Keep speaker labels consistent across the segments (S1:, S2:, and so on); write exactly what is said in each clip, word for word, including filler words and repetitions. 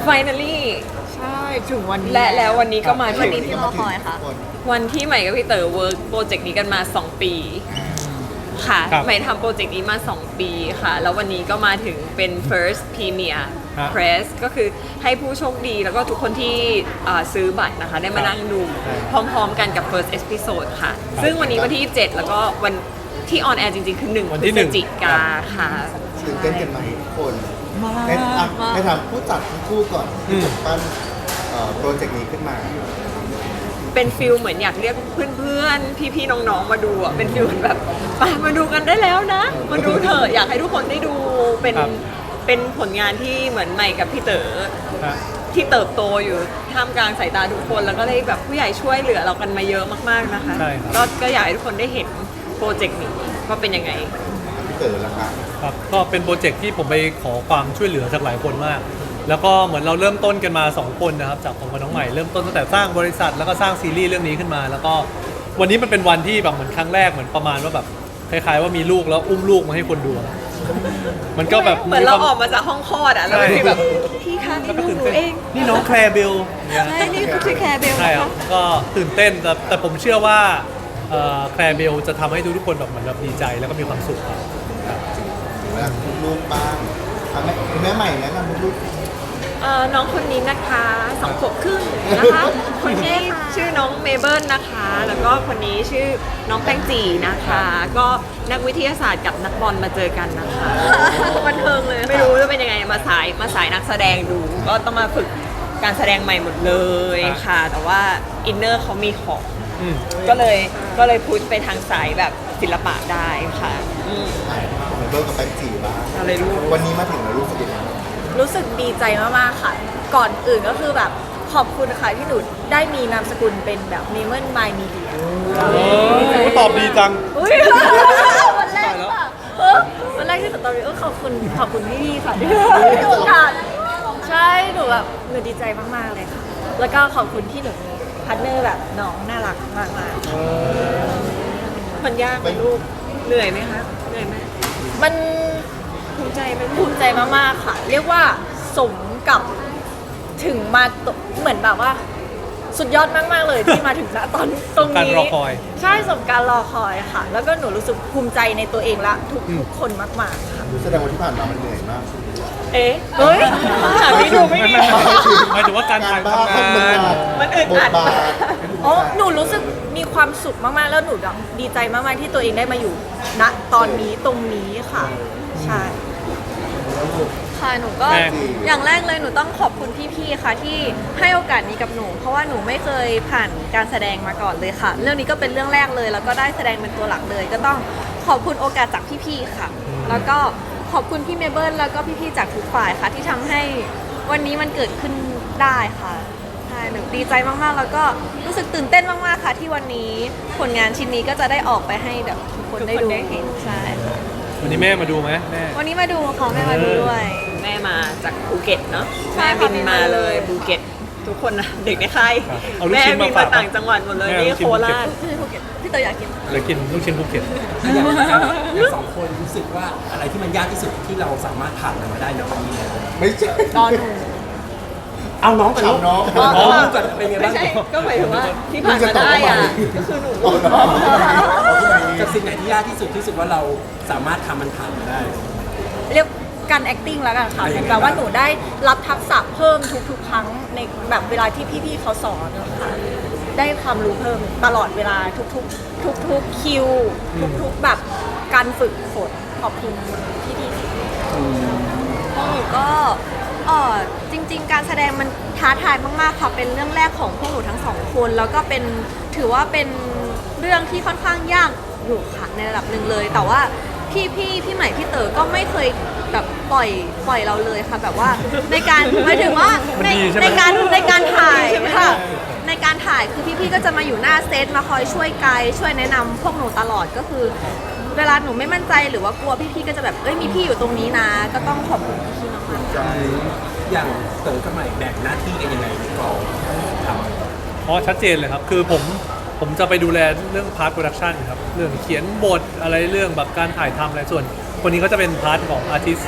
S1: finally
S2: ใช่ถึงวันนี้
S1: และแล้ววันนี้ก็มาถึ
S3: วัน
S1: ง
S3: นี้ที่รอคอยค่ะ
S1: วันที่ใหม่กับพี่เต๋อเวิร์กโปรเจกต์นี้กันมาสองปีค่ะ
S4: ครับ
S1: ใหม่ทำโปรเจกต์นี้มาสองปีค่ะแล้ววันนี้ก็มาถึงเป็น first premier
S4: ครับ
S1: press ก็คือให้ผู้โชคดีแล้วก็ทุกคนที่อ่าซื้อบัตรนะคะได้มานั่งดูพร้อมๆกันกับ first episode ค่ะ ซึ่งวันนี้วันที่ยี่สิบเจ็ดแล้วก็วันที่ออนแอร์จริงๆ คือหนึ่ง
S4: วัน
S1: พ
S4: ที่
S1: ฤ
S4: หนึ่
S1: ศ
S4: ง
S1: จิกาค่ะ
S5: ตื่นเต้นกันไหมทุกคนให้อ่ะให้ถามผู้จัดทั้งคู่ก่อนที่จัดปั้นเอ่อโปรเจกต์นี้ขึ้นมา
S1: เป็นฟิลเหมือนอยากเรียกเพื่อนๆ พี่ๆ น้องๆ มาดูอ่ะ เป็นฟิลเหมือนแบบไปมาดูกันได้แล้วนะ มาดูเถอะอยากให้ทุกคนได้ดู เป็น
S4: ครับ
S1: เป็นผลงานที่เหมือนใหม่กับพี่เต๋อ
S4: ฮะ
S1: ที่เติบโตอยู่ท่ามกลางสายตาทุกคน แล้วก็ได้แบบผู้ใหญ่ช่วยเหลือเรากันมาเยอะมากๆ นะคะ
S4: ใช่ครับ
S1: ก็ก็อยากให้ทุกคนได้เห็นโปรเจกต์นี้ว่าเป็นยังไง
S5: พี่เต๋อละครับ
S4: ครับก็เป็นโปรเจกต์ที่ผมไปขอความช่วยเหลือจากหลายคนมาก แล้วก็เหมือนเราเริ่มต้นกันมาสองคนนะครับจากผมกับน้องใหม่เริ่มต้นตั้งแต่สร้างบริษัทแล้วก็สร้างซีรีส์เรื่องนี้ขึ้นมา แล้วก็วันนี้มันเป็นวันที่แบบเหมือนครั้งแรกเหมือนประมาณว่าแบบคล้ายๆว่ามีลูกแล้วอุ้มลูกมาให้คนดูอะมันก็แบบ
S1: เหมือนเรา
S4: คว
S1: ออกมาจากห้องคลอดอ่ะแล้ว
S4: ใช่
S1: มันมีแบบพี่คะนี่
S4: แล้วก็
S1: ลูก
S4: ตื่น
S1: หนู
S4: เต้น
S1: เอง
S4: นี่น้องแคลร์เบลเนี่ย
S1: ใช่นี่คือแคร์เบล
S4: ใช่
S1: นะ
S4: ครั
S1: คะ
S4: บก็ตื่นเต้นแต่แต่ผมเชื่อว่าเอ่อแคลร์เบลจะทำให้ทุกๆคนแบบเหมือนแบบดีใจแล้วก็มีความสุขครับ
S5: เวลาลูกๆบ้างอ่ะแม่แม่ใหม่แนะนำลูก
S1: เอ่อน้องคนนี้นะคะสองขวบครึ่งนะคะ คนนี้ชื่อน้องเมเบิลนะคะ แล้วก็คนนี้ชื่อน้องแป้งจีนะคะ ก็นักวิทยาศาสตร์กับนักบอลมาเจอกันนะคะ
S3: บันเทิงเลย
S1: ไม่รู้จะเป็นยังไงมาสายมาสายนักแสดงดู ก็ต้องมาฝึกการแสดงใหม่หมดเลยค่ะ แต่ว่าอินเนอร์เขามีของ
S4: อืม
S1: ก็เลยก็เลยพุชไปทางสายแบบศิลปะได้ค่ะอืม
S5: ๆอ่ะเมเบิลกับแป้งจีบ้าง
S1: อะไรลูก
S5: วันนี้มาถึงแล้วรู้สึกยังไงบ้าง
S2: รู้สึกดีใจมากๆค่ะ ก่อนอื่นก็คือแบบขอบคุณค่ะที่หนูได้มีนามสกุลเป็นแบบเมมเบอร์มายมีเดีย
S4: โอ้ตอบดีจัง
S2: อุ้ยวันแรกค่ะเออวันแรกที่หนูตอนนี้ก็ขอบคุณขอบคุณพี่ๆค่ะที่ให้โอกาสใช่หนูแบบหนูดีใจมากๆเลยค่ะ แล้วก็ขอบคุณที่หนูมีพาร์ทเนอร์แบบน้องน่ารักมากๆค่ะ
S1: มันยากไหมลูกเหนื่อยไหมคะเหนื่อยไหม
S2: มัน
S1: ภูมิใจไหมลู
S2: ภู
S1: ก
S2: มิใจมากๆค่ะ เรียกว่าสมกับถึงมาตเหมือนแบบว่า สุดยอดมากๆเลยที่มาถึงณตอนตรง
S4: การ
S2: นี้
S4: รอคอย
S2: ใช่สมการรอคอยค่ะ แล้วก็หนูรู้สึกภูมิใจในตัวเองและทุกทุกคนมากๆค่ะ
S5: แสดงว่าที่ผ่านมามันเหนื่อยมาก
S1: เอ๊ะ
S2: เฮ้ย
S1: ถามนี้ดูไม่ดี
S4: หมายถึงว่าการถ่าย
S5: บ้า
S4: ทำ
S5: ทำ
S4: งาน
S5: งาน
S1: มันอึด
S5: บ
S1: อั
S5: ท
S1: ด
S5: บาท
S2: อ๋อหนูรู้สึกมีความสุขมากๆ แล้วหนูแบบดีใจมากๆที่ตัวเองได้มาอยู่ณตอนนี้ตรงนี้ค่ะ ใช่
S3: ค่ะหนูก็
S4: แม่
S3: อย่างแรกเลยหนูต้องขอบคุณพี่ๆค่ะที่ให้โอกาสนี้กับหนู เพราะว่าหนูไม่เคยผ่านการแสดงมาก่อนเลยค่ะ เรื่องนี้ก็เป็นเรื่องแรกเลย แล้วก็ได้แสดงเป็นตัวหลักเลย ก็ต้องขอบคุณโอกาสจากพี่ๆค่ะ แล้วก็ขอบคุณพี่เมเบิลแล้วก็พี่ๆจากทุกฝ่ายค่ะ ที่ทำให้วันนี้มันเกิดขึ้นได้ค่ะใช่หนูดีใจมากๆ แล้วก็รู้สึกตื่นเต้นมากๆค่ะ ที่วันนี้ผลงานชิ้นนี้ก็จะได้ออกไปให้แบบทุกคนได้ดูใช่ค่ะ
S4: วันนี้แม่มาดูไหมแม่
S3: วันนี้มาดูค่ะแม่มาดูด้วย
S1: แม่มาจากภูเก็ตเนาะ
S3: ใช่
S1: แม่
S3: ค่ะ
S1: บินมาเลยภูเก็ตทุกคนนะเด็กในค่าย
S4: ครับเอาลูก
S1: แม่
S4: ชิ้น
S1: บิ
S4: มาน
S1: มา
S4: ฝาก
S1: ต่างจังหวัดหมดเลย
S4: แม่เอา
S1: นี่
S4: ลูกชิ้
S1: โคน
S4: ภูเก็ต
S1: ราช
S3: พี่ภูเก็ตพี่เตยอยากกิน
S4: เลยกินลูกชิ้นภูเก็ต
S6: อย่างอย่างสองคนรู้สึกว่าอะไรที่มันยากที่สุดที่เราสามารถผ่านมันมาได้ในวันนี้เนี่ย
S5: ไม่ใช่
S2: ตอนหนู
S6: เอาน้องกับลูก
S5: เอาน้อง
S6: น้องกับเป็นไง
S1: ไม่
S6: บ้าง
S1: ใช่ก็หมายถึงว่าที่ผ่านมาได้อ่ะก็คือหนู
S5: เอาน้องเอาขึ้นมาอีก
S6: กับสิ่งไหนที่ยากที่สุดที่รู้สึกว่าเราสามารถทำมันผ่านมาได้
S2: เรียกการ acting แล้วกันค่ะ
S6: อะไร
S2: เห
S6: อย่าง
S2: มื
S6: เงี้
S2: อย นกับว่าหนูได้รับทักษะเพิ่มทุกๆ ครั้งในแบบเวลาที่พี่ๆเขาสอนนะคะได้ความรู้เพิ่มตลอดเวลาทุกๆ ทุกๆคิว ทุกๆแบบการฝึกฝนขอบคุณพี่ๆ
S3: ของหนูก็เออจริง ๆ การแสดงมันท้าทายมากๆค่ะเป็นเรื่องแรกของพวกหนูทั้งสองคน แล้วก็เป็นถือว่าเป็นเรื่องที่ค่อนข้างยากอยู่ค่ะในระดับหนึ่งเลย แต่ว่าพี่พี่พี่ใหม่พี่เต๋อก็ไม่เคยแบบปล่อยปล่อยเราเลยค่ะ แบบว่าในการหมายถึงว่าใน
S4: มันดีใช่ไหม
S3: ในการในการถ่ายค่ะในการถ่ายคือพี่ๆก็จะมาอยู่หน้าเซตมาคอยช่วยไกด์ช่วยแนะนำพวกหนูตลอดก็คือ เวลาหนูไม่มั่นใจหรือว่ากลัวพี่ๆก็จะแบบเอ้ยมีพี่อยู่ตรงนี้นะ ก็ต้องขอบคุณพี่ๆมากๆ
S6: อย่างเต๋อกับใหม่แบ่งหน้าที่กันยังไงในกองทำ
S4: อ๋อชัดเจนเลยครับ คือผมผมจะไปดูแลเรื่องพาร์ทโปรดักชันครับ เรื่องเขียนบทอะไรเรื่องแบบการถ่ายทำอะไรส่วน คนนี้ก็จะเป็นพาร์ทของอาร์ติส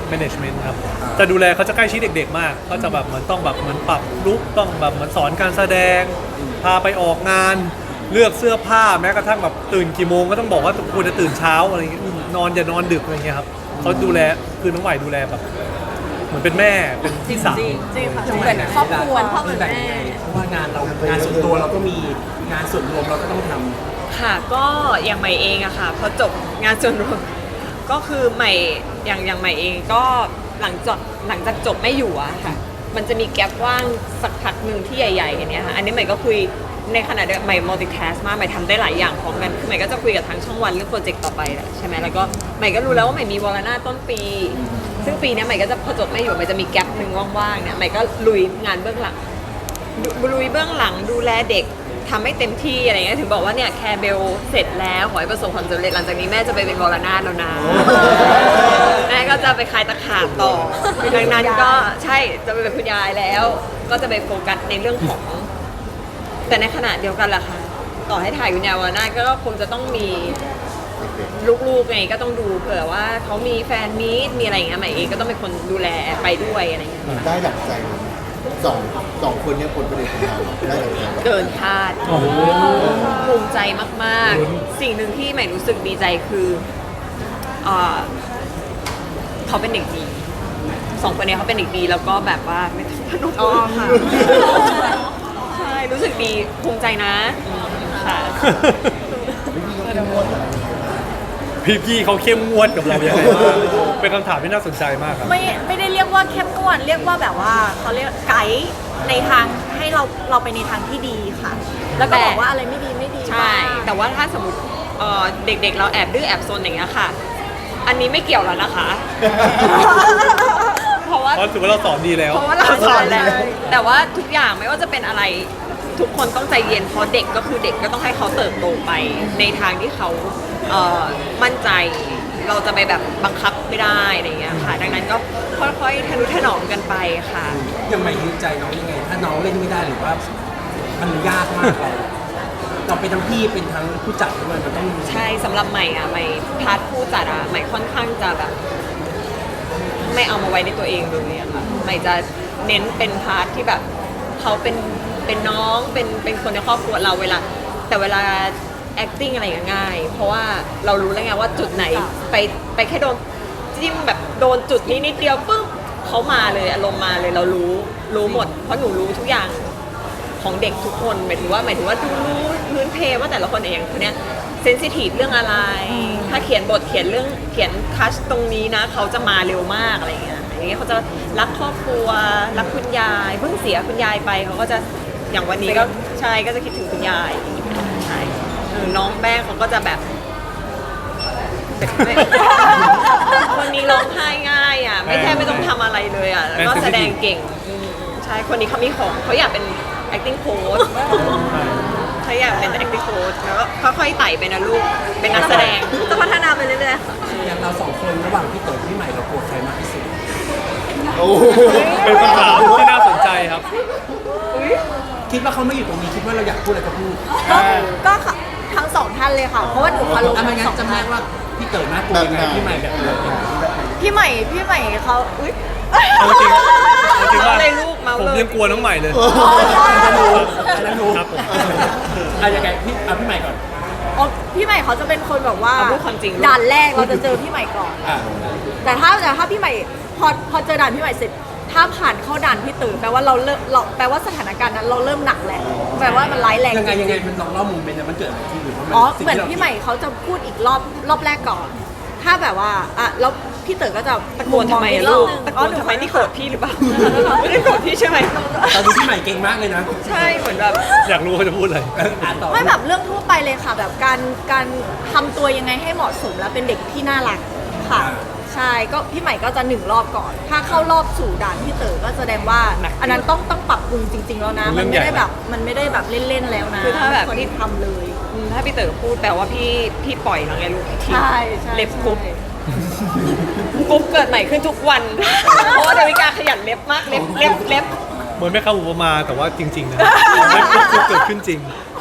S4: management ครับจะดูแลเขาจะใกล้ชิดเด็กๆมากก็จะแบบเหมือนต้องแบบเหมือนปรับลุคต้องแบบเหมือนสอนการแสดงพาไปออกงานเลือกเสื้อผ้าแม้กระทั่งแบบตื่นกี่โมงก็ต้องบอกว่าควรจะตื่นเช้าอะไรอย่างเงี้ยนอนอย่านอนดึกอะไรเงี้ยครับเขาดูแลคือน้องใหม่ดูแลแบบเหมือนเป็นแม่เป็นพี่สาว
S2: จริงค่ะ
S6: ทำไม
S2: เหมือนครอบครัวพ่อเหมือน
S6: แบ่ง
S2: แม่
S6: ยังไงเพราะว่างานเรางานส่วนตัวเราก็มีงานส่วนรวมเราก็ต้องทำ
S1: ค่ะก็อย่างใหม่เองอะค่ะพอจบงานส่วนรวมก็คือใหม่อย่างอย่างใหม่เองก็หลังจากหลังจากจบไม่อยู่อะค่ะมันจะมีแกลบว่างสักพักหนึ่งที่ใหญ่ๆอย่างเนี้ยค่ะอันนี้ใหม่ก็คุยในขณะเดียวกันใหม่ multitask มากใหม่ทำได้หลายอย่างพร้อมกันคือใหม่ก็จะคุยกับทางช่องวันเรื่องโปรเจกต์ต่อไปแหละใช่ไหมแล้วก็ใหม่ก็รู้แล้วว่าใหม่มีวอลนาต้นปี ซึ่งปีเนี้ยใหม่ก็จะพอจบไม่อยู่ใหม่จะมีแกลบหนึ่งว่างๆเนี่ยใหม่ก็ลุยงานเบื้องหลัง ลุยเบื้องหลังดูแลเด็กทำให้เต็มที่อะไรเงี้ยถึงบอกว่าเนี่ยแคร์เบลเสร็จแล้วขอให้ประสบความสำเร็จหลังจากนี้แม่จะไปเป็นวรนาถแล้วนะแม่ก็จะไปคลายตะขาบต่อดังนั้นก็ใช่จะไปเป็นคุณยายแล้ว ก็จะไปโฟกัสในเรื่องของ แต่ในขณะเดียวกันล่ะค่ะต่อให้ถ่ายวิญญาณวรนาถก็คงจะต้องมีลูกๆไงก็ต้องดูเผื่อว่าเขามีแฟนมีตมีอะไรอย่างเงี้ยใหม่เองก็ต้องเป็นคนดูแลไปด้วยอะไรอย่างเงี้ย
S5: ได้ดั่งใจไหมสองสองคนเนี้ผลผลิตของเราได้ดั่งใจไหม
S1: เกินคาดภูมิใจมากๆ สิ่งหนึ่งที่ใหม่รู้สึกดีใจคือเอ่อเขาเป็นเด็กดีสองคนนี้เขาเป็นเด็กดีแล้วก็แบบว่าไม่ต้องพนุอ๋อค่ะใช่รู้สึกดีภูมิใจนะค่ะ
S4: พี่ๆเขาเข้มงวดกับเราอย่างไรบ้างเป็นคำถามที่น่าสนใจมากครับ
S2: ไม่ไม่ได้เรียกว่าเข้มงวดเรียกว่าแบบว่าเขาเรียกไกด์ในทางให้เราเราไปในทางที่ดีค่ะ แล้วก็บอกว่าอะไรไม่ดีไม่ดี
S1: ใช่ แต่ว่าถ้าสมมติเอ่อเด็กๆ เราแอบดื้อแอบซนอย่างเงี้ยค่ะ อันนี้ไม่เกี่ยวแล้วนะคะ เพราะว่า
S4: เพราะถือว่าเราสอนดีแล้ว
S1: เพราะว่าเราสอนแล้ว แต่ว่าทุกอย่างไม่ว่าจะเป็นอะไรทุกคนต้องใจเย็นเพราะเด็กก็คือเด็กก็ต้องให้เขาเติบโตไปในทางที่เขาเอ่อมั่นใจ เราจะไปแบบบังคับไม่ได้อะไรอย่างเงี้ยค่ะ ดังนั้นก็ค่อยๆทะนุถนอมกันไปค่ะ
S6: ยังไม่ยืนใจน้องยังไง ถ้าน้องเล่นไม่ได้หรือว่ามันยากมากเราเราเป็นทั้งพี่เป็นทั้งผู้จัดด้วยมันต้อง
S1: ใช่สำหรับใหม่อะใหม่พาร์ทผู้จัดอะใหม่ค่อนข้างจะแบบ ไม่เอามาไว้ในตัวเองเลยอะค่ะใหม่จะเน้นเป็นพาร์ทที่แบบเขาเป็นเป็นน้องเป็นเป็นคนในครอบครัวเราเวลา แต่เวลา acting อะไรอย่างเงี้ยง่าย เพราะว่าเรารู้แล้วไงว่าจุดไหนไปไปแค่โดนจิ้มแบบโดนจุดนี้นิดเดียวปุ๊บเขามาเลยอารมณ์มาเลยเรารู้รู้หมด เพราะหนูรู้ทุกอย่างของเด็กทุกคนหมายถึงว่าหมายถึงว่าดูรู้พื้นเพว่าแต่ละคนเองคนเนี้ยเซนซิทีฟเรื่องอะไร ถ้าเขียนบทเขียนเรื่องเขียนทัชตรงนี้นะเขาจะมาเร็วมากอะไรอย่างเงี้ยอย่างเงี้ยเขาจะรักครอบครัวรักคุณยายเพิ่งเสียคุณยายไปเขาก็จะอย่างวันนี้ก็ใช่ก็จะคิดถึงคุณยายใช่เออน้องแป้งเขาก็จะแบบไม่ คนนี้ร้องไห้ง่ายอ่ะไม่แค่ไม่ต้องทำอะไรเลยอ่ะแล้วก็แสดงเก่งอืมใช่คนนี้เขามีของเขาอยากเป็น acting coach เขาอยากเป็น acting coach แล้วก็ค่อยๆไต่ไปนะลูกเป็นนักแสดง
S3: จะพัฒนาไปเรื่อยๆค่ะ
S6: อย่างเราสองคนระหว่างพี่เต๋อพี่ใหม่เรากลัวใครมากที่สุด
S5: โอ้โห
S4: เป็นคำถามที่น่าสนใจครับ
S6: คิดว่าเขาไม่อยู่ตรงนี้คิดว่าเราอยากพูดอะไรก็พูด
S2: ก็ก็ค่ะทั้งสองท่านเลยค่ะ เพราะว่าหนูเคารพ
S6: อ่ะไม่
S2: ทั้ง
S6: งั้
S2: สอน ง
S6: จำ
S2: ท่า
S6: ได้
S2: น
S6: ว่าพี่เต๋อน่ากลัวยังไงพี่ใหม่แบบไหน
S2: พี่ใหม่พี่ใหม่เขาอุ้ย
S4: เอาจริงเอาจริงว่า
S1: เลยลูกเมา
S4: ผม
S1: เลย
S4: ยังกลัวน้องใหม่เลย
S6: อันนั้นรู้อันนั้นรู้
S4: ครับผม
S6: อ่ะยังไงพี่อ่ะพี่ใหม่ก่อน
S2: อ๋อพี่ใหม่เขาจะเป็นคนแบบว่า
S1: เอาพูดความจริงลูก
S2: ด่านแรกเราจะเจอพี่ใหม่ก่อน
S6: อ่ะ
S2: แต่ถ้าแต่ถ้าพี่ใหม่พอพอเจอด่านพี่ใหม่เสร็จ ถ้าผ่านเข้าด่านพี่ตื่นแปลว่าเราเริ่มเราแปลว่าสถานการณ์นั้นเราเริ่มหนักแหละแปลว่ามันร้ายแรง
S6: ยังไง
S2: จริ
S6: ยังไงมันลองเล่ามุมเป็นมันเกิดอะไรขึ้นหรือว่ามัน
S2: อ๋อ
S6: สิ่ง
S2: เหมือน
S6: ที่รา
S2: พี่ใหม่เขาจะพูดอีกรอบรอบแรกก่อน ถ้าแบบว่าอ่ะแล้วพี่เต๋อก็จะ
S1: ตะโกนทำไม
S2: อีกร
S1: ลู
S2: อบ
S1: ก
S2: นึง
S1: ตะโกนทำไมที่โกรธพี่หรือเปล่า ไม่ได้โกรธพี่ใช่ไหม
S6: ตอนนี้พี่ใหม่เก่งมากเลยนะ
S1: ใช่เหมือนแบบ
S4: อยากรู้เขาจะพูดอะไร
S6: อ่านต่อ
S2: ไม่แบบเรื่องทั่วไปเลยค่ะ แบบการการทำตัวยังไงให้เหมาะสมแล้วเป็นเด็กที่น่ารักค่ะ ใช่ก็พี่ใหม่ก็จะหนึ่งรอบก่อน ถ้าเข้ารอบสู่ด่านพี่เต๋อก็แสดงว่า
S1: หนัก
S2: อันนั้นต้องต้องปรับปรุงจริง ๆ แล้วนะ
S4: เป็
S2: มัน น
S4: เรื่อง
S2: ไม่ได้
S4: ใหญ่
S2: แบบมันไม่ได้แบบเล่นๆแล้วนะ
S1: คือถ้าแบบ
S2: คน
S1: พี่
S2: ที่ทำเลย
S1: อืมถ้าพี่เต๋อพูดแปลว่าพี่พี่ปล่อยแล้วไงลูกที
S2: ใช่ใช่
S1: เล็บกรุ๊บกรุ๊บเกิดใหม่ขึ้นทุกวัน เพราะว่าเดวิกาขยันเล็บมากเล็บเล็บเล็บ
S4: เหมือนไม่เข้าอุปมาแต่ว่าจริงๆนะเกิดขึ้นจริง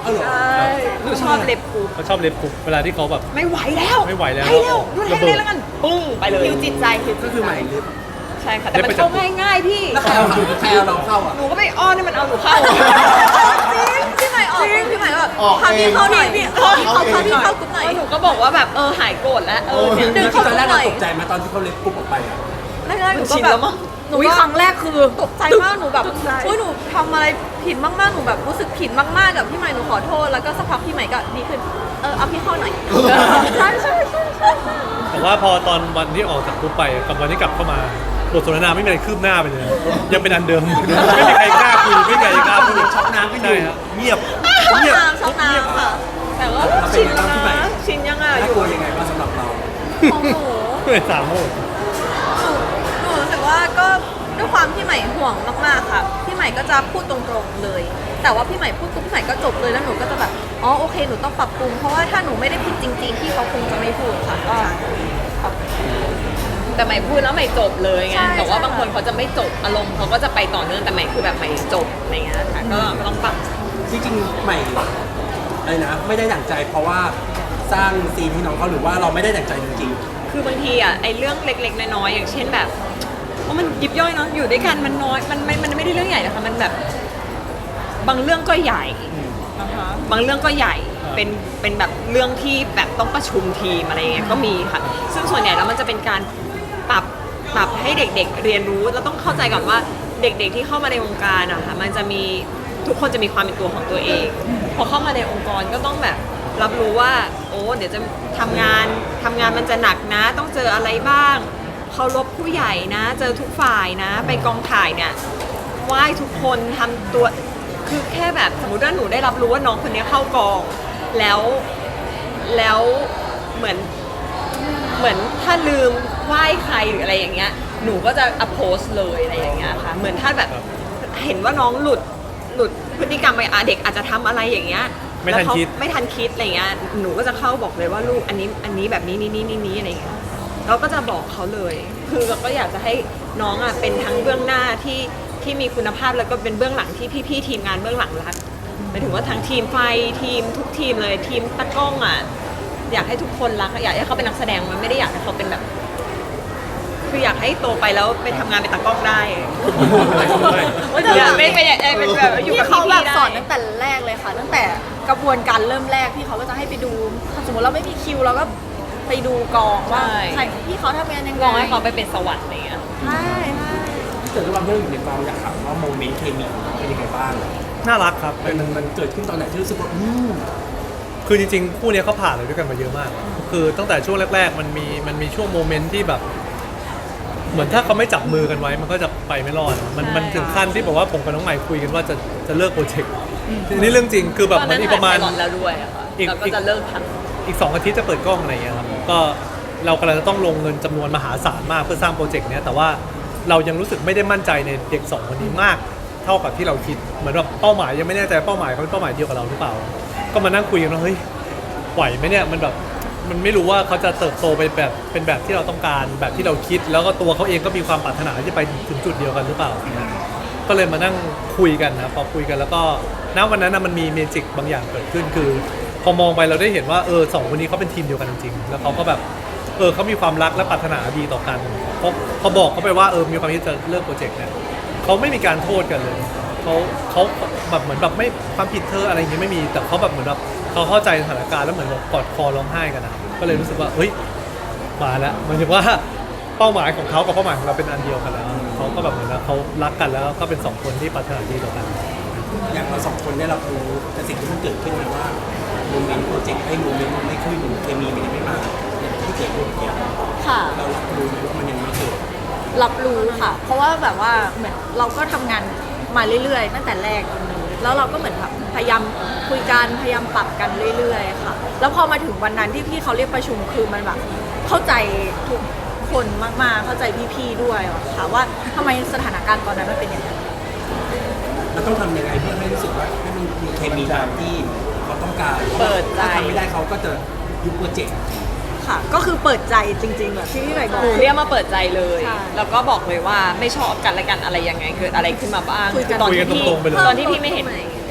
S6: เอาเหรอ
S2: ใช่
S1: หนูชอบเล็บกู
S4: เขาชอบเล็บกรุ๊บเวลาที่เขาแบบ
S1: ไม่ไหวแล้ว
S4: ไม่ไหวแล้ว
S1: ไปเร็วดูแล
S4: ระเบิด
S1: เลยแล้วกันปุ้งไปเลย
S2: คิวจิตใจคิว
S6: ก็คือใหม่เล็บ
S1: ใช่ค่ะแต่มันเข้าง่ายๆพี่
S6: แล้วใครเอาใครเอาเราเข้าอ่ะ
S1: หนูก็ไปอ้อนให้มันเอาหนูเข้า
S3: จริงพี่ใหม่ออกพี่ใหม่ก็แบบ
S5: ออก
S3: พา
S5: เอ
S3: พี่
S5: ง
S3: เข้าหน่อยพี่
S5: ออก
S3: พี่เขา
S5: เอง
S3: พาพี่เข้ากรุ๊ปหน่อย
S1: แล้วหนูก็บอกว่าแบบเออหายโกรธแล้วเออเนี่ย
S3: ดึงเข้า
S6: ตอนแรก
S3: หน่
S6: เรา
S3: อย
S6: ตกใจมาตอนที่เขาเล็บปุ๊บออกไปอ่ะ
S3: แรกๆหนูก็
S1: ชิน
S3: แบ
S1: แล้
S3: บ
S1: วมั้ง
S3: หนู
S2: อุ๊ย
S3: ก็
S2: ครั้งแรกคือ
S3: ตกใจมากหนูแบบ
S2: ตกใจ
S3: อุ้ยหนูทำอะไรผิดมากๆหนูแบบรู้สึกผิดมากๆกับพี่ใหม่หนูขอโทษแล้วก็สักพักพี่ใหม่ก็ดีขึ้นเออเอาพี่เข้าหน่อยใช่ใช่ใช่ใช่
S4: แต่ว่าพอตอนวันที่ออกจากกรุ๊ปไปกับวันที่กลับเข้ามาบทสนทนาไม่มีอะไรคืบหน้าไปเลย ยังเป็นอันเดิม ไม่มีใครกล้าคุยไม่มีใครกล้าพูด
S6: ช็อกน้ำกันอยู่
S4: ใช่ครับเงียบ
S3: ช่อง
S4: เงียบ
S3: น้ำช่องน้ำค่ะ
S1: แต่ว่า
S6: เราเป็น
S1: ชิน
S6: ไง
S1: แล้ว
S6: บ้างพี่ใหม่
S1: นะชินยังอ่ะอ
S6: น่า
S1: ยู่
S6: กลัวยังไงบ้างสำหรับเรา
S3: ของหนู
S4: เลยสามโมง
S3: หนูหนูรู้สึกว่าก็ด้วยความพี่ใหม่ห่วงมากๆค่ะพี่ใหม่ก็จะพูดตรงๆเลย แต่ว่าพี่ใหม่พูดปุ๊บพี่ใหม่ก็จบเลยแล้วหนูก็จะแบบอ๋อโอเคหนูต้องปรับปรุงเพราะว่าถ้าหนูไม่ได้ผิดจริงๆพี่เขาคงจะไม่พูดค่ะก็ครับ
S1: แต่ใหม่พูดแล้วใหม่จบเลยไง
S3: ใช่
S1: แต่ว่า
S3: ใช่
S1: บางคนเขาจะไม่จบอารมณ์เขาก็จะไปต่อเนื่องแต่ใหม่คือแบบใหม่จบอะไรเงี้ยค่ะก็ก็ต้องปรับ
S6: จริงๆใหม่อะไรนะ ไม่ได้ดั่งใจเพราะว่าสร้างซีนให้น้องเขาหรือว่าเราไม่ได้ดั่งใจจริง
S1: คือบางทีอ่ะไอ้เรื่องเล็กๆน้อยๆอย่างเช่นแบบว่ามันยิบย่อยเนาะอยู่ด้วยกันมันน้อยมันไม่มันไม่ได้เรื่องใหญ่นะคะมันแบบบางเรื่องก็ใหญ่นะคะบางเรื่องก็ใหญ่เป็นเป็นแบบเรื่องที่แบบต้องประชุมทีมอะไรเงี้ยก็มีค่ะ ซึ่งส่วนใหญ่แล้วมันจะเป็นการปรับปรับให้เด็กๆเรียนรู้เราต้องเข้าใจก่อนว่าเด็กๆที่เข้ามาในวงการอะค่ะมันจะมีทุกคนจะมีความเป็นตัวของตัวเอง พอเข้ามาในองค์กรก็ต้องแบบรับรู้ว่าโอ้เดี๋ยวจะทำงานทำงานมันจะหนักนะ ต้องเจออะไรบ้างเคารพผู้ใหญ่นะ เจอทุกฝ่ายนะ ไปกองถ่ายเนี่ยไหว้ทุกคนทำตัวคือแค่แบบสมมติว่าหนูได้รับรู้ว่าน้องคนนี้เข้ากองแล้วแล้วเหมือนเหมือนถ้าลืมไหว้ใครหรืออะไรอย่างเงี้ยหนูก็จะอโพสเลยอะไรอย่างเงี้ยค่ะเหมือนถ้าแบบเห็นว่าน้องหลุดหลุดพฤติกรรมไปอ่ะเด็กอาจจะทำอะไรอย่างเงี้ย
S4: ไม่ทัน
S1: แล้วเขา
S4: คิด
S1: ไม่ทันคิดอะไรเงี้ย หนูก็จะเข้าบอกเลยว่าลูกอันนี้อันนี้แบบนี้นี่นี่นี่นี่อะไรเงี้ย เราก็จะบอกเขาเลย คือเราก็อยากจะให้น้องอ่ะเป็นทั้งเบื้องหน้าที่ที่มีคุณภาพแล้วก็เป็นเบื้องหลังที่พี่ๆทีมงานเบื้องหลังรักหมายถึงว่าทั้งทีมไฟทีมทุกทีมเลยทีมตะกล้องอ่ะอยากให้ทุกคนรักอยากให้เขาเป็นนักแสดงมันไม่ได้อยากให้เขาเป็นแบบ คืออยากให้โตไปแล้วไปทำงานเป็นตากล้องได้ อยากไม่ไปอยากเป็นแบบอยู่
S2: พี่
S1: กับ
S2: เขา
S1: พี่
S2: แบบ
S1: ๆได้
S2: สอนตั้งแต่แรกเลยค่ะ ตั้งแต่กระบวนการเริ่มแรกพี่เขาก็จะให้ไปดูถ้าสมมติเราไม่มีคิวเราก็ไปดูกองว่าใครพี่เขาทำงานยังไง
S1: ลองให้เขาไปเป็นสวรรค์อะไรเงี้ย
S2: ใช่ใช่
S6: ๆแต่ด้วยความที่เราอยู่ในกองอยากถามว่าโมเมนต์เคมีของน้องเป็นยังไงบ้าง
S4: น่ารักครับ
S6: มันมันเกิดขึ้นตอนไหนที่รู้สึกว่าอืม
S4: คือจริงๆคู่เนี้ยเขาผ่านอะไรด้วยกันมาเยอะมาก คือตั้งแต่ช่วงแรกๆ มันมีมันมีช่วงโมเมนต์ที่แบบ เหมือนถ้าเขาไม่จับมือกันไว้ มันก็จะไปไม่รอด มันมันถึงขั้นที่บอกว่าผมกับน้องใหม่คุยกันว่าจะจะเลิกโปรเจกต์นี่เรื่องจริง คือแบบมันอีกประมาณ
S1: ตอนนั้นถ่ยไพลอตแล้วด้วยอะค่ะ
S4: อีก
S1: เราก็จะเลิกทำ
S4: อีกสองอาทิตย์จะเปิดกล้องอะไรอย่างเงี้ยครับ ก็เรากำลังจะต้องลงเงินจำนวนมหาศาลมากเพื่อสร้างโปรเจกต์เนี้ย แต่ว่าเรายังรู้สึกไม่ได้มั่นใจในเด็กสองคนนี้มาก เท่ากับที่เราคิด เหมือนแบบเป้าหมายยังไม่แน่ใจเป้าหมายเขาเป็นเป้าหมายเดียวกับเราหรือเปล่า ก็มานั่งคุยกันว่าเฮ้ยไหวไหมเนี่ย มันแบบมันไม่รู้ว่าเขาจะเติบโตไปแบบเป็นแบบที่เราต้องการแบบที่เราคิด แล้วก็ตัวเขาเองก็มีความปรารถนาที่จะไปถึงจุดเดียวกันหรือเปล่า ก็เลยมานั่งคุยกันนะพอคุยกันแล้วก็ณวันนั้นนะมันมีเมจิกบางอย่างเกิดขึ้นคือ พอมองไปเราได้เห็นว่าเออสองคนนี้เขาเป็นทีมเดียวกันจริงๆแล้วเขาก็แบบเออเขามีความรักและปรารถนาดีต่อกันเพราะเขาบอกเขาไปว่าเออมีความคิดจะเลิกโปรเจกต์เนี่ยเขาไม่มีการโทษกันเลยเขาเขาแบบเหมือนแบบไม่ความผิดเธออะไรอย่างเงี้ยไม่มีแต่เขาแบบเหมือนแบบเขาเข้าใจสถานการณ์แล้วเหมือนแบบกอดคอร้องไห้กันนะก็เลยรู้สึกว่าเฮ้ยมาแล้วหมายถึงว่าเป้าหมายของเขากับเป้าหมายของเราเป็นอันเดียวกันแล้วเขาก็แบบเหมือนว่าเขารักกันแล้วก็เป็นสองคนที่ปรารถนาดีต่อกัน
S6: อย่างเราสองคนได้รับรู้แต่สิ่งที่มันเกิดขึ้นมาว่าโมเมนต์โปรเจกต์ไอ้โมเมนต์มันไม่ขึ้นเคมีมันยังไม่มาอย่างที่เกิดขึ้นเนี่ย
S2: ค่ะ
S6: เรารับรู้ไหมว่ามันยังไม่เกิด
S2: รับรู้ค่ะ เพราะว่าแบบว่าเหมือนเราก็ทำงานมาเรื่อยๆ ตั้งแต่แรกจนนี้แล้วเราก็เหมือนแบบพยายามคุยกันพยายามปรับกันเรื่อยๆค่ะ แล้วพอมาถึงวันนั้นที่พี่เขาเรียกประชุมคือมันแบบเข้าใจทุกคนมากๆ เข้าใจพี่ๆด้วยอะค่ะว่าทำไมสถานการณ์ตอนนั้นมันเป็นอย่างนั้น
S6: เราต้องทำยังไงเพื่อให้รู้สึกว่าให้มันมีเคมีตามที่เขาต้องการ
S1: เปิดใจ
S6: ถ้าทำไม่ได้เขาก็จะยุบโปรเจกต์
S2: ค่ะ ก็คือเปิดใจจริงๆแบบที่พี่ใหม่บอก
S1: หนูเรียกมาเปิดใจเลย
S2: ใช่
S1: แล้วก็บอกเลยว่าไม่ชอบกันและกันอะไรยังไงเกิดอะไรขึ้นมาบ้าง
S2: คุยกัน
S1: ตอนที่
S4: คุยกัน
S1: พี่
S4: ตรงๆไปเลย
S1: ตอนที่พี่ไม่เห็น
S3: ใ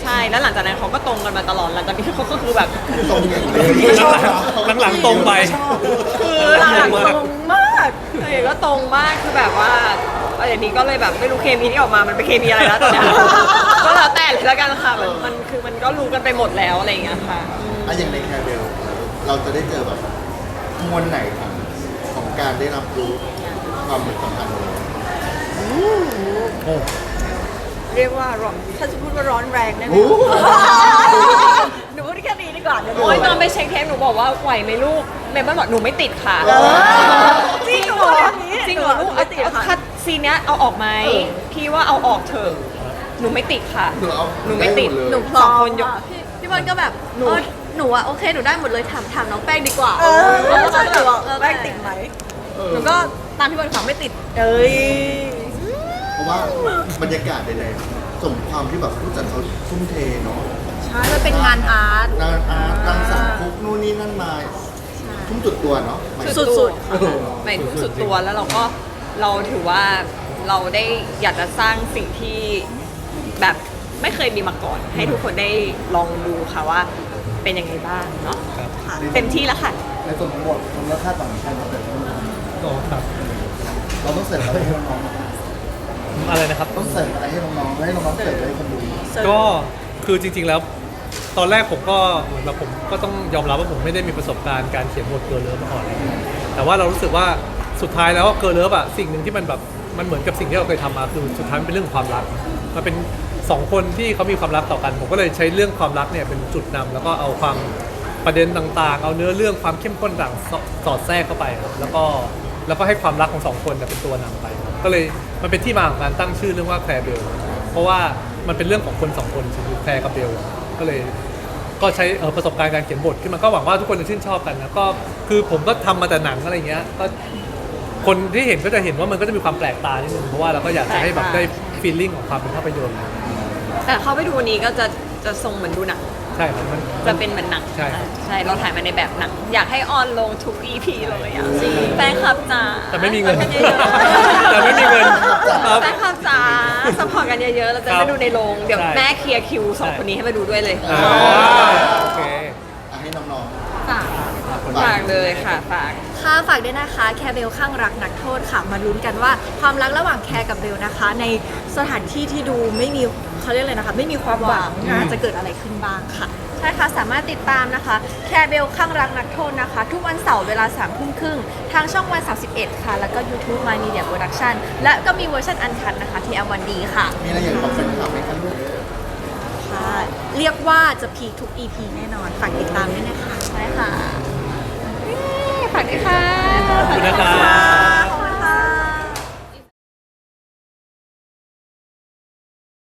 S1: ใช่แล้วหลังจากนั้นเขาก็ตรงกันมาตลอดหลังจากนี้เขาก็คือแบบ
S5: ตรงอย่างเลย
S4: หลังๆตรงไป
S1: คือหลังๆตรงมากเออก็ตรงมากคือแบบว่าอย่างนี้ก็เลยแบบไม่รู้เคมีที่ออกมามันเป็นเคมีอะไรแล้วตอนเนี้ยก็แล้วแต่เลยละกันค่ะมันมันคือมันก็รู้กันไปหมดแล้วอะไรอย่างเงี้ยค่ะ
S5: อะอย่างในแคร์เบลเราจะได้เจอแบบมวลไหนของของการได้รับรู้ความสัมพันธ์ของเรา
S4: โอ้
S2: เรียกว่าร้อนถ้าจะพูดว่าร้อนแรงได้ไหม
S5: โอ้
S2: หนูพูดแค่นี้ดีกว่าเดี๋ยว
S1: โอ้ยตอนไปเช็คเทปหนูบอกว่าไหวไหมลูกเมย์บอกหนูไม่ติดค่ะ
S2: จริงเหรอ
S1: จริงเหรอลูก
S2: ไม่ติดค่ะ
S1: คัดซีนเนี้ยเอาออกไหมพี่ว่าเอาออกเถอะหนูไม่ติดค่ะ
S5: หนูเอา
S1: หนูไม่ติด
S5: เลย
S3: หนูพ
S1: ส
S3: ร้
S1: อ
S3: อง ม
S1: คนยก
S3: อะพี่พี่บอลก็แบบเออหนูอะโอเคหนูได้หมดเลยถามถามน้องแป้งดีกว่า
S2: เออ
S3: แล้วก็
S2: ใช่
S3: แบบ
S2: บอก
S3: เออ
S2: แป้งติดไหม
S5: เออ
S3: หนูก็ตามพี่บอลขอไม่ติด
S2: เอ้ย
S5: เพราะว่าบรรยากาศใดๆสมความที่แบบผู้จัดเขาทุ่มเทเนาะ
S3: ใช่มันเป็นงานอาร์ต
S5: งานอาร์ตการสั่งคุกนู่นนี่นั่นมาทุ่มจุดตัวเนาะหมายถึง
S1: สุด
S5: เออ
S1: ๆหมายถึงสุดตัวแล้วเราก็เราถือว่าเราได้อยากจะสร้างสิ่งที่แบบไม่เคยมีมาก่อน ให้ทุกคนได้ลองดูค่ะว่าเป็นยังไงบ้างเนาะ
S4: ครับ
S1: เต็มที่แล้วค่ะ
S5: ในส่วนของบทมูลค่าต่างกันเราแต่ละคน
S4: โอ้ครับ
S5: เราต้องเสิร์ฟอะไรให้น้อง
S4: อะไรนะครับ
S5: ๆต้องเสิร์ฟอะไรให้น้องๆให้น้องๆเสิร์ฟให้คนดู
S4: ก็คือจริงๆแล้ว ตอนแรกผมก็เหมือนแบบผมก็ต้องยอมรับว่าผมไม่ได้มีประสบการณ์การเขียนบทเกิร์ลเลิฟมาก่อนเลยแต่ว่าเรารู้สึกว่าสุดท้ายแล้วเกิร์ลเลิฟอะสิ่งหนึ่งที่มันแบบมันเหมือนกับสิ่งที่เราเคยทำมาคือสุดท้ายมันเป็นเรื่องของความรักมันเป็นสองคนที่เขามีความรักต่อกัน ผมก็เลยใช้เรื่องความรักเนี่ยเป็นจุดนำแล้วก็เอาความประเด็นต่างๆ เอาเนื้อเรื่องความเข้มข้นต่างสสอดแทรกเข้าไปครับแล้วก็แล้วก็ให้ความรักของสองคนเนี่ยเป็นตัวนำไปครับก็เลยมันเป็นที่มาของการตั้งชื่อเรื่องว่าแคร์เบลเพราะว่ามันเป็นเรื่องของคนสองคนคือแคร์กับเบลก็เลย ก็ใช้เอ่อประสบการณ์การเขียนบทขึ้นมาก็หวังว่าทุกคนจะชื่นชอบกันนะก็คือผมก็ทำมาแต่หนังอะไรเงี้ยก็คนที่เห็นก็จะเห็นว่ามันก็จะมีความแปลกตานิดนึงเพราะว่าเราก็อยากจะให้แบบได้ฟีลลิ่งของความเป็นภาพยนตร์
S1: แต่เข้าไปดูวันนี้ก็จะจะทรงเหมือนดูหนัง
S4: ใช่ครับมัน
S1: จะเป็นเหมือนหนัง
S4: ใช่ครับ
S1: ใช่เราถ่ายมาในแบบหนัง อยากให้ออนลงทุก อี พี เลยอ่ะแฟนคลับจ๋า
S4: แต่ไม่มีเงิน
S1: ช่วยกัยอะๆ
S4: แต่ไม่มีเงินครับ
S1: แฟนคลับจ๋าสปอร์ตกันเยอะๆเราจะ
S4: ครั
S1: ได้
S4: บ
S1: ดูในโรงเดี๋ยว
S4: ใช่
S1: แม่เคลียร์คิวสอง
S4: ใช่
S1: คนนี้ให้มาดูด้วยเลย
S4: อ่าโอเค
S5: อ่ะให้น้อง
S3: ฝาก
S5: ๆ
S1: ฝากเลยค่ะฝาก
S3: ค่ะฝากด้วยนะคะแคร์เบลข้างรักนักโทษค่ะมาลุ้นกันว่าความรักระหว่างแคร์กับเบลนะคะ ในสถานที่ที่ดูไม่มีเขาเรียกเลยนะคะไม่มีความหวังนะจะเกิดอะไรขึ้นบ้างค่ะ ใช่ค่ะสามารถติดตามนะคะแคร์เบลข้างรักนักโทษนะคะ ทุกวันเสาร์เวลาสามทุ่มครึ่งทางช่องวันสามสิบเอ็ดค่ะ แล้วก็ YouTube My Media Production และก็มีเวอร์ชันอันคันนะคะที่ แอล วัน ดี ค่ะ
S5: มีอะไรอยากบอกแฟนคลับไหมครับลูก
S3: ค่ะ เรียกว่าจะพีคทุก อี พี แน่นอนฝากติดตามด้วยนะคะใช่ค่ะ
S1: ฝากด้วยค่ะ
S4: ขอบคุณนะครับ